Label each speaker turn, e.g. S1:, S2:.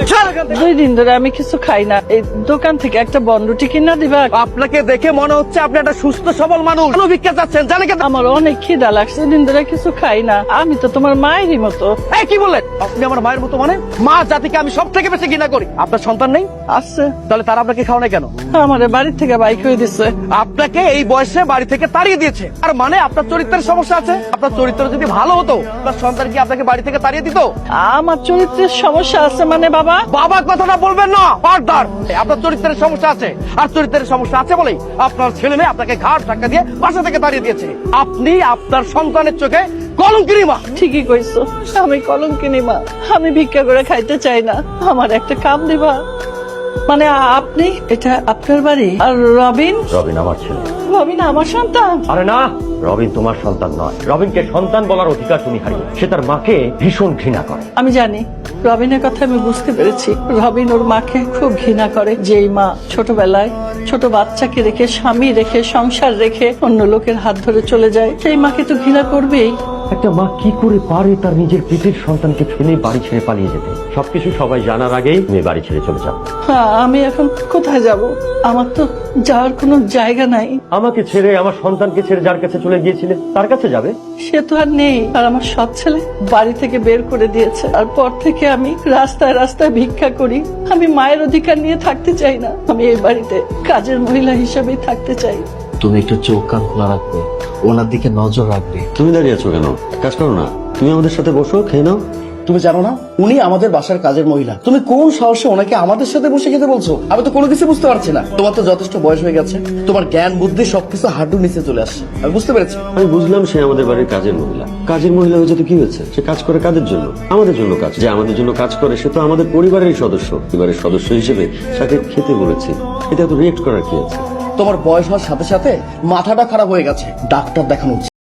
S1: 2 দিন ধরে আমি কিছু খাই না, এই দোকান থেকে একটা বনরুটি কিনা দিবা?
S2: আপনাকে দেখে মনে হচ্ছে আপনি একটা সুস্থ সবল মানুষ। কেন ভিক্ষা চাচ্ছেন জানেন?
S1: আমার অনেক খিদা লাগছে, দিন ধরে কিছু খাই না। আমি তো তোমার মায়েরই মতো।
S2: এই কি বললেন আপনি? আমার মায়ের মতো মানে? মা জাতিকে আমি সব থেকে বেশি ঘৃণা করি। আপনার সন্তান নেই?
S1: আছে।
S2: তাহলে তারা আপনাকে খাওয়া নাই কেন?
S1: আমার বাড়ি থেকে বাইক হয়ে দিচ্ছে।
S2: আপনাকে এই বয়সে বাড়ি থেকে তাড়িয়ে দিয়েছে। আর মানে আপনার চরিত্রের সমস্যা আছে। আপনার চরিত্র যদি ভালো হতো আপনার সন্তান কি আপনাকে বাড়ি থেকে তাড়িয়ে দিত?
S1: আমার চরিত্রের সমস্যা আছে মানে বাবা?
S2: বাবা কথাটা বলবেন না, ফারদার। আপনার চরিত্রের সমস্যা আছে, আর চরিত্রের সমস্যা আছে বলেই আপনার ছেলে মেয়ে আপনাকে ঘাট ধাক্কা দিয়ে বাসা থেকে তাড়িয়ে দিয়েছে। আপনি আপনার সন্তানের চোখে কলঙ্কিনী মা।
S1: ঠিকই কইছো, আমি কলঙ্কিনী মা। আমি ভিক্ষা করে খাইতে চাই না, আমার একটা কাম দিবা? মানে আপনি, এটা আপনার বাড়ি? আর রবিন?
S3: রবিন আমার ছেলে।
S1: রবিন আমার সন্তান?
S3: আরে না, রবিন তোমার সন্তান নয়। রবিনকে সন্তান বলার অধিকার তুমি হারিয়ে। সে তার মাকে ভীষণ ঘৃণা করে।
S1: আমি জানি, রবিনের কথা আমি বুঝতে পেরেছি। রবিন ওর মাকে খুব ঘৃণা করে। যেই মা ছোটবেলায় ছোট বাচ্চাকে রেখে, স্বামী রেখে, সংসার রেখে অন্য লোকের হাত ধরে চলে যায়, সেই মাকে তো ঘৃণা করবেই।
S3: একটা মা কি করে পারে তার নিজের পেটের সন্তানকে ফেলে বাড়ি ছেড়ে পালিয়ে যেতে? সবকিছু সবাই জানার আগেই তুমি বাড়ি ছেড়ে চলে যাও।
S1: হ্যাঁ, আমি এখন কোথায় যাব? আমার তো যাওয়ার কোনো জায়গা নাই।
S3: আমাকে ছেড়ে, আমার সন্তানকে ছেড়ে যার কাছে চলে গিয়েছিলে তার কাছে যাবে?
S1: সে তো আর নেই। আর আমার সৎ ছেলে বাড়ি থেকে বের করে দিয়েছে। আর পর থেকে আমি রাস্তায় রাস্তায় ভিক্ষা করি। আমি মায়ের অধিকার নিয়ে থাকতে চাই না। আমি এই বাড়িতে কাজের মহিলা হিসেবেই থাকতে চাই।
S4: তুমি একটু চোখ কান খোলা রাখবে, ওনার দিকে নজর রাখবে।
S5: তুমি দাঁড়িয়ে আছো কেন? কাজ করো না। তুমি আমাদের সাথে বসো, খেয়ে নাও।
S6: তুমি জানো না উনি আমাদের বাসার কাজের মহিলা? তুমি কোন সাহসে ওনাকে আমাদের সাথে বসে খেতে বলছো? আমি তো কোনো কিছু বুঝতে পারছি না। তোমার তো যথেষ্ট বয়স হয়ে গেছে, তোমার জ্ঞান বুদ্ধি সবকিছু হাঁটুর নিচে চলে আসছে। আমি বুঝতে পেরেছি।
S5: আমি বুঝলাম সে আমাদের বাড়ির কাজের মহিলা। কাজের মহিলা হয়েছে তো কি হয়েছে? সে কাজ করে কাদের জন্য? আমাদের জন্য কাজ। যে আমাদের জন্য কাজ করে সে তো আমাদের পরিবারেরই সদস্য। পরিবারের সদস্য হিসেবে তাকে খেতে বলেছি। এটা তো রিয়েক্ট করার কি আছে?
S6: তোমার বয়স হওয়ার সাথে সাথে মাথাটা খারাপ হয়ে গেছে, ডাক্তার দেখানো উচিত।